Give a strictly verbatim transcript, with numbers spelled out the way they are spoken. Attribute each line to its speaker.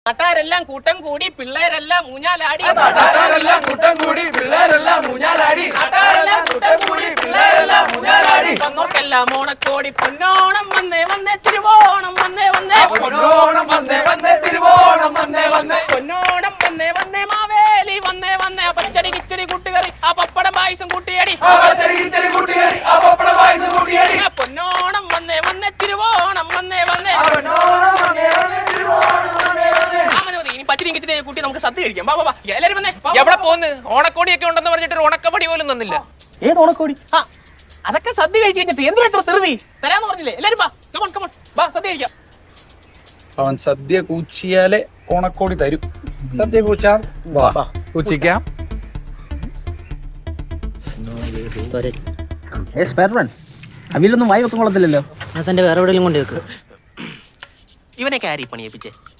Speaker 1: നാട്ടാരെല്ലാം കൂട്ടം കൂടി പിള്ളേരെല്ലാം ഊഞ്ഞാലാടി
Speaker 2: നാട്ടാരെല്ലാം കൂട്ടം കൂടി പിള്ളേരെല്ലാം ഊഞ്ഞാലാടി നാട്ടാരെല്ലാം കൂട്ടം കൂടി പിള്ളേരെല്ലാം ഊഞ്ഞാലാടി
Speaker 1: വന്നോർക്കെല്ലാം ഓണക്കോടി പൊന്നോണം വന്നേ വന്നേ തിരുവോണം വന്നേ വന്നേ
Speaker 2: പൊന്നോണം വന്നേ വന്നേ തിരുവോണം വന്നേ വന്നേ
Speaker 1: പൊന്നോണം വന്നേ വന്നേ മാവേലി വന്നേ വന്നേ പച്ചടി കിച്ചടി കൂട്ടുകറി ആ പപ്പടം പായസം കൂട്ടിയടി
Speaker 2: ആ പച്ചടി കിച്ചടി കൂട്ടിയടി ആ പപ്പടം പായസം കൂട്ടിയടി
Speaker 1: പൊന്നോണം വന്നേ വന്നേ തിരുവോണം വന്നേ വന്നേ
Speaker 2: പൊന്നോണം വന്നേ വന്നേ തിരുവോണം വന്നേ വന്നേ
Speaker 1: ഇനി പച്ചടി കിച്ചടി കൂട്ടി നമുക്ക് സദ്യ കഴിക്കാം വാ വാ എല്ലാരും വന്നേ
Speaker 3: എവിടെ പോന്ന് ഓണക്കോടിയൊക്കെ ഉണ്ടെന്ന് പറഞ്ഞിട്ട് ഒരു ഉണക്കപ്പടി പോലും തന്നില്ല.
Speaker 1: ഏത് ഓണക്കോടി? ആ അതൊക്കെ സദ്യ കഴിച്ചു കഴിഞ്ഞിട്ട് എന്തിനാ ഇത്ര ധൃതി? തരാന്ന് പറഞ്ഞില്ലേ? എല്ലാരും വാ കമോൺ കമോൺ വാ സദ്യ കഴിക്കാം.
Speaker 4: അവൻ സദ്യ കൂച്ചിയാലേ ഓണക്കോടി തരും.
Speaker 5: സദ്യ കൂച്ചാം,
Speaker 4: വാ കൂച്ചിക്കാം.
Speaker 5: അവിലൊന്നും വായി വെക്കാൻ കൊള്ളത്തില്ലല്ലോ.
Speaker 6: തന്റെ വേറെ എവിടെയെങ്കിലും കൊണ്ട് വെക്ക്.
Speaker 1: ഇവനെ കാരി പണിയിപ്പിച്ചേ.